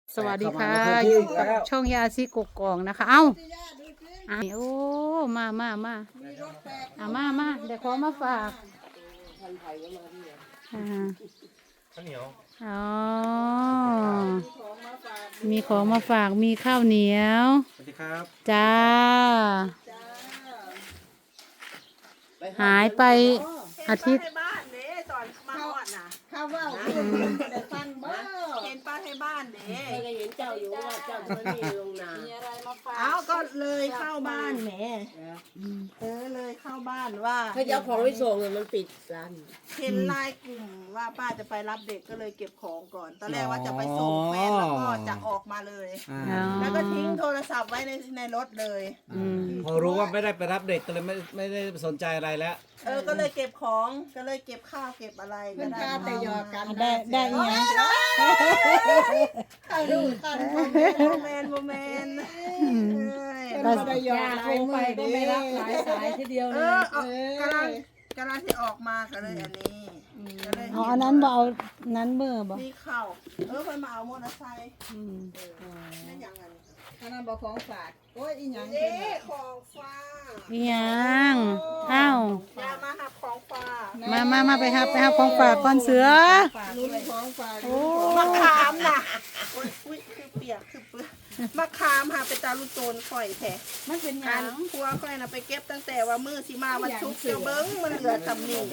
สวัสดีค่ะอยู่กับช่องยาซีกกองนะคะเอ้าโอ้มาเดี๋ยวขอมาฝากข้าวเหนียวอ๋อมีของมาฝากมีข้าวเหนียวสวัสดีครับจ้าหายไปอาทิตย์ข้าวว่าแต่ฟังบ่เห็นป้าให้บ้านเด้ก็เห็นเจ้าอยู่ว่าเจ้าไม่มีลงนามีอะไรมาฝากเอาก็เลยเข้าบ้านแหมเลยเข้าบ้านว่าเขาจะเอาของไปส่งเลยมันปิดร้านเห็นไลน์กลุ่มว่าป้าจะไปรับเด็กก็เลยเก็บของก่อนตอนแรกว่าจะไปส่งแฟนแล้วก็จะออกมาเลยแล้วก็ทิ้งโทรศัพท์ไว้ในรถเลยพอรู้ว่าไม่ได้ไปรับเด็กก็เลยไม่ได้สนใจอะไรแล้วก็เลยเก็บของก็เลยเก็บข้าวเก็บอะไรก็ได้แต่ยอกันได้ยังไงข้าวดูกันโมเมนก็ได้ยอโทรไปก็ไม่รับหลายสายทีเดียวเลยกำลังที่ออกมาก็เลยอันนี้อ๋ออันนั้นเอานั้นเมื่อบ่มีข้าวคนมาเอามอเตอร์ไซค์นั่นยังไงอันนั้นบอกของฝากโอ้ยอีหยังของฝากอีหยังอ้าวมาหับของฝากมาไปหับของฝากก้อนเสือลุ้นของฝากมะขามน่ะอุ้ยคือเปียกคือเปื้อนมะขามหาไปตาลูกโจนข่อยแท้มันเป็นหยังครัวข่อยน่ะไปเก็บตั้งแต่ว่ามื้อสิมาวันศุกร์เจ้าเบิ้งมันเหลือสำนี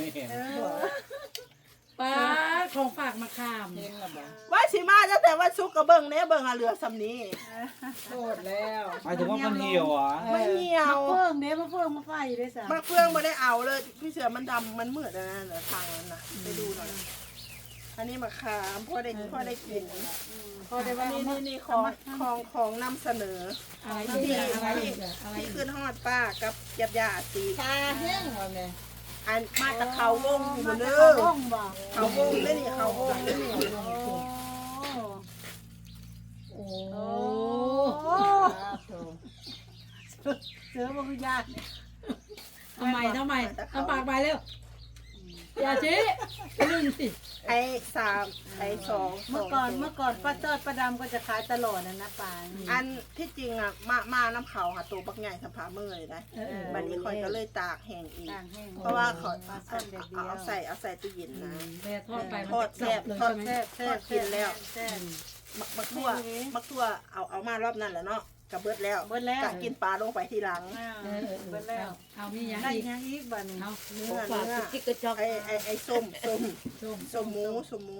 ป้าของฝากมาขามว่าสิมาตั้งแต่วันศุกร์ก็เบิ้งเบิ้งเหลือสำนีโทษแล้วหมายถึงว่ามันเหี่ยวอ่ะไม่เหี่ยวมะเฟืองมะไฟได้สะมะเฟืองไม่ได้เอาเลยพี่เสือมันดำมันมืดนะเหลือทางนั้นนะไปดูหน่อยอันนี้มะขามพ่อได้กินพอได้ว่านี่ของนำเสนอที่ขึ้นฮอดป้ากับยาสีตาแห้งว่าแม่อันมาตะเขาวงอยู่เด้อเขาวงได้นี่เขาวงได้นี่โอ้เสือบ่คือยากทำไมเอาปากไปเร็วอย่าชี้หนึ่งสิไอ้3ไอ้2 เมื่อก่อนป้าเติร์ดป้าดำก็จะขายตลอดนะป้าอันที่จริงอ่ะมาน้ำเขาค่ะตัวบักใหญ่สัมผามือเลยนะบัดนี้คอยก็เลยตากแห้งอีกเพราะว่าเขาเอาใส่ตู้เย็นนะทอดแซ่บกินแล้วมักทั่วเอามารอบนั้นแหละเนาะกับเบิดแล้วกะกินปลาลงไปทีหลังเบิดแล้วเอามีอย่างอีกบ้านนี้เนื้อไอ้ส้มหมูส้มห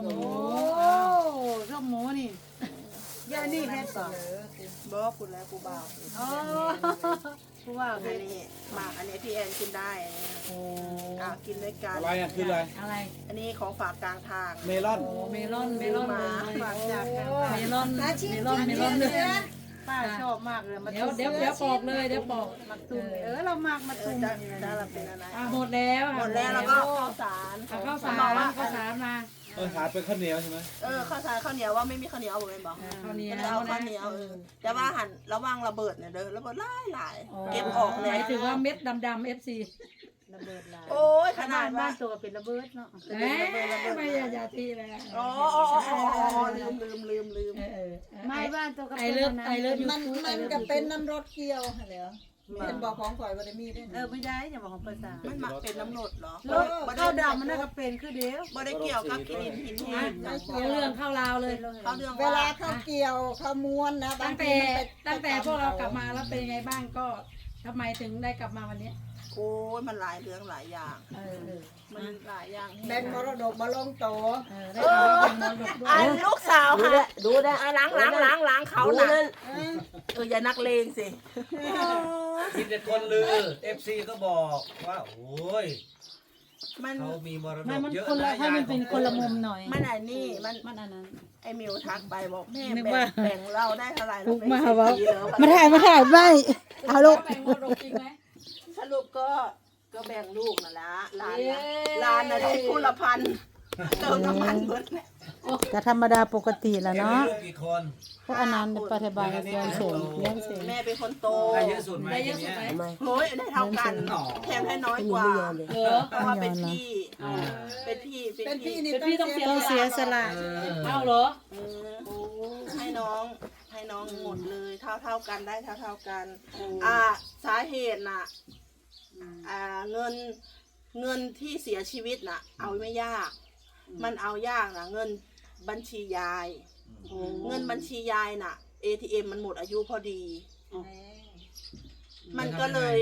มูนี่ย่านี่แค่ต่อบ่คุณแล้วกูบ่าวกูว่าอันนี้หมากอันนี้พี่แอนกินได้กินด้วยกันอะไรคืออะไรอันนี้ของฝากกลางทางเมลอนมาฝากจากเมลอนเลยป้าชอบมากเลยเดี๋ยวปอกเลยเดี๋ยวปอกมาตุ้มเรามากมาตุ้มจะเราเป็นอะไรหมดแล้วแล้วก็ข้าวสารมาหาเป็นข้าวเหนียวใช่ไหมข้าวสารข้าวเหนียวว่าไม่มีข้าวเหนียวเอาเลยบอกข้าวเหนียวเอาข้าวเหนียวแต่ว่าหั่นระวังระเบิดเนี่ยเด้อระเบิดหลายเก็บออกเลยหมายถึงว่าเม็ดดำๆ FCระเบิดหลายโอ้ยขนาดบ้านตัวเป็นระเบิดเนาะไม่อย่าตีเลยลืมไม่บ้านตัวก็เป็นมันก็เป็นน้ำรถเกี่ยวเหรอเป็นบอกของข่อยวันมีได้ไม่ได้อย่าบอกของภาษามันมักเป็นน้ำรถเหรอข้าวดำมันน่าจะเป็นคือเดียวบ่ได้เกี่ยวกับกินหินแห้งเรื่องข้าวลาวเลยเวลาข้าวเกี่ยวข้าวม้วนนะตั้งแต่พวกเรากลับมาแล้วเป็นไงบ้างก็ทำไมถึงได้กลับมาวันนี้โอ้ยมันหลายเรื่องหลายอย่างมันหลายอย่างแบ่งมรดกมาลงโตลูกสาวค่ะดูได้ล้างเขาหนักอย่านักเลงสิคิดแต่คนลือ FC ก็บอกว่าโอ้ยเขามีมรดกเยอะนะให้มันเป็นคนละมุมหน่อยมันอันนี้มันอันนั้นไอ้มิวทักไปบอกแม่แบ่งเราได้เท่าไหร่เราไม่ถ่ายไม่เอาลูกสรุปก็แบ่งลูกนั่นละร้านอะไรผู้ละพันเติมน้ำมันเบิดเลยแต่ธรรมดาปกติแหละเนาะกี่คนพวกอนันต์ปฏิบัติเลี้ยงเสงแม่เป็นคนโตได้เยอะสุดไหมโอ้ยได้เท่ากันแถมให้น้อยกว่าเพราะว่าเป็นพี่ต้องเสียสละเอาเหรอให้น้องหมดเลยเท่ากันได้เท่ากันสาเหตุน่ะเงินที่เสียชีวิตน่ะเอาไม่ยากมันเอายากนะเงินบัญชียายเงินบัญชียายน่ะ ATM มันหมดอายุพอดีมันก็เลย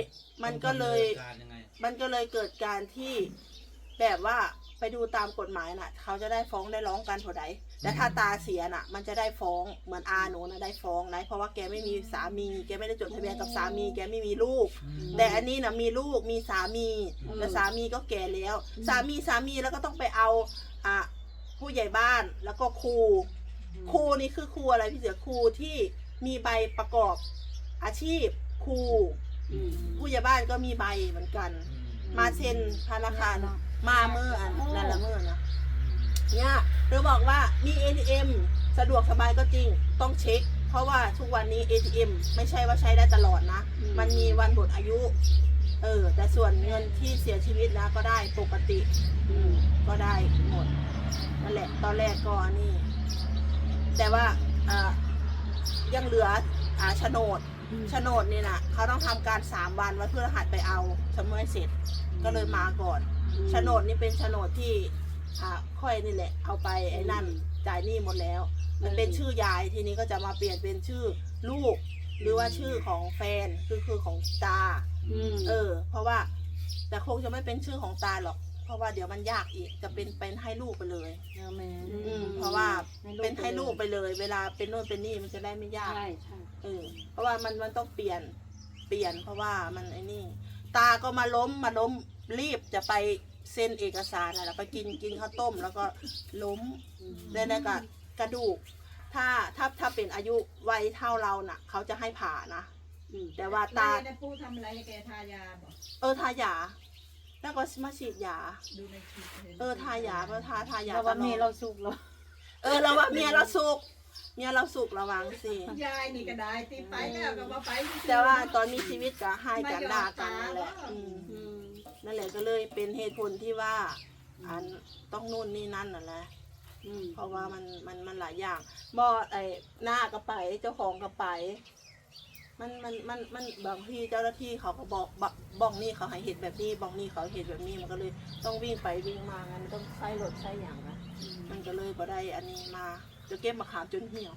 เกิดการที่แบบว่าไปดูตามกฎหมายน่ะเขาจะได้ฟ้องได้ร้องกันเท่าใดแต่ถ้าตาเสียน่ะมันจะได้ฟ้องเหมือนอาหนูนะได้ฟ้องนะเพราะว่าแกไม่มีสามีแกไม่ได้จดทะเบียนกับสามีแกไม่มีลูกแต่อันนี้น่ะมีลูกมีสามีแต่สามีก็แก่แล้วสามีแล้วก็ต้องไปเอาผู้ใหญ่บ้านแล้วก็ครูนี่คือครูอะไรพี่เสือครูที่มีใบประกอบอาชีพครูผู้ใหญ่บ้านก็มีใบเหมือนกันมาเซ็นธนาคารมาเมื่อนั่นละเมื่อนะเนี่ยเราบอกว่ามี ATM สะดวกสบายก็จริงต้องเช็คเพราะว่าทุกวันนี้ ATM ไม่ใช่ว่าใช้ได้ตลอดนะมันมีวันหมดอายุแต่ส่วนเงินที่เสียชีวิตนะก็ได้ปกติก็ได้หมดนั่นแหละตอนแรกก็นี่แต่ว่ายังเหลือโฉนดนี่นะเขาต้องทำการ3 วันวันพฤหัสไปเอาสำนวนเสร็จก็เลยมาก่อนโฉนดนี่เป็นโฉนดที่ค่อยนี่แหละเอาไปไอ้นั่นจ่ายหนี้หมดแล้วมันเป็นชื่อยายทีนี้ก็จะมาเปลี่ยนเป็นชื่อลูกหรือว่าชื่อของแฟนคือของตาเพราะว่าแต่คงจะไม่เป็นชื่อของตาหรอกเพราะว่าเดี๋ยวมันยากอีกจะเป็นให้ลูกไปเลยเพราะว่าเป็นให้ลูกไปเลยเวลาเป็นโน่นเป็นนี่มันจะได้ไม่ยากเพราะว่ามันต้องเปลี่ยนเพราะว่ามันไอ้นี่ตาก็มาล้มรีบจะไปเซ็นเอกสารอะไรไปกินข้าวต้มแล้วก็ล้มได้แล้วก็กระดูกถ้าเป็นอายุวัยเท่าเราน่ะเขาจะให้ผ่านะแต่ว่าตาได้พูดทำอะไรให้แกทายาบอกทายาแล้วก็มาฉีดยาดูในคลิปทายาเพราะทายาเราว่าเมียเราสุกเหรอเราว่าเมียเราสุกระวังสิยายนี่ก็ได้ตีไปแล้วก็มาไปแต่ว่าตอนมีชีวิตก็ให้กันด่ากันนั่นแหละนั่นแหละก็เลยเป็นเหตุผลที่ว่าต้องนู่นนี่นั่นน่ะแหละเพราะว่ามันหลายอย่างบ่หน้าก็ไปเจ้าของก็ไปมันบางที่เจ้าหน้าที่เขาก็บอกบ้องนี่เขาให้เหตุแบบนี้บ้องนี่เขาเหตุแบบนี้มันก็เลยต้องวิ่งไปวิ่งมางั้นต้องใช้รถใช้อย่างนะมันก็เลยบ่ได้อันนี้มาจะเก็บมะขามจนเหี่ยว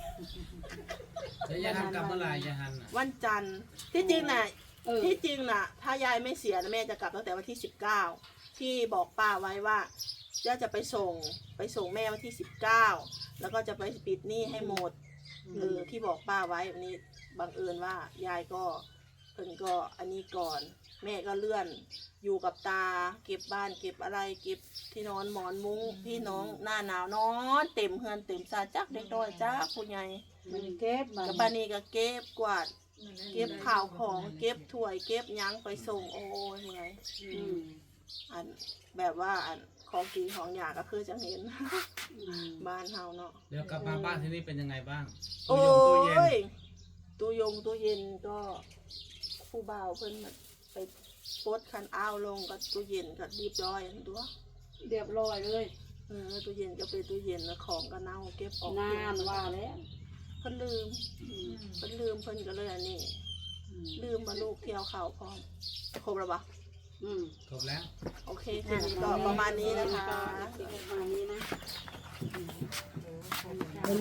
แล้วยายฮันกลับเมื่อไหร่ยายฮันวันจันทร์ที่จริงน่ะถ้ายายไม่เสียนะแม่จะกลับตั้งแต่วันที่19ที่บอกป้าไว้ว่าจะไปส่งแม่วันที่19แล้วก็จะไปปิดหนี้ให้หมดที่บอกป้าไว้วันนี้บังเอิญว่ายายก็เพิ่นก็อันนี้ก่อนแม่ก็เลื่อนอยู่กับตาเก็บบ้านเก็บอะไรเก็บที่นอนหมอนมุ้งพี่น้องหน้าหนาวนอนเต็มเฮือนเต็มซาจักเด็กน้อยจ้าผู้ใหญ่เก็บกับปานีก็เก็บกวาดเก็บข่าวของเก็บถ้วยเก็บยั้งไปส่งโอ้ยเมื่อยอันแบบว่าของกินของอยากก็คือจะเห็นบ้านเฮาเนาะเดี๋ยวกลับมาบ้านที่นี่เป็นยังไงบ้างโอ้ยตู้เย็นก็ผู้บ่าวเพิ่นไปโพสคันอ้าวลงกับตู้เย็นก็เรียบร้อยตัวเรียบร้อยเลยตู้เย็นก็เป็นตู้เย็นแล้วของก็เน่าเก็บออกนานว่าแล้วเพิ่นลืมเพิ่นก็เลยอันนี้ลืมมาลูกเที่ยวเขาพร้อมครบแล้วปะครบแล้วโอเคคืนนี้ก็ประมาณนี้นะคะประมาณนี้นะ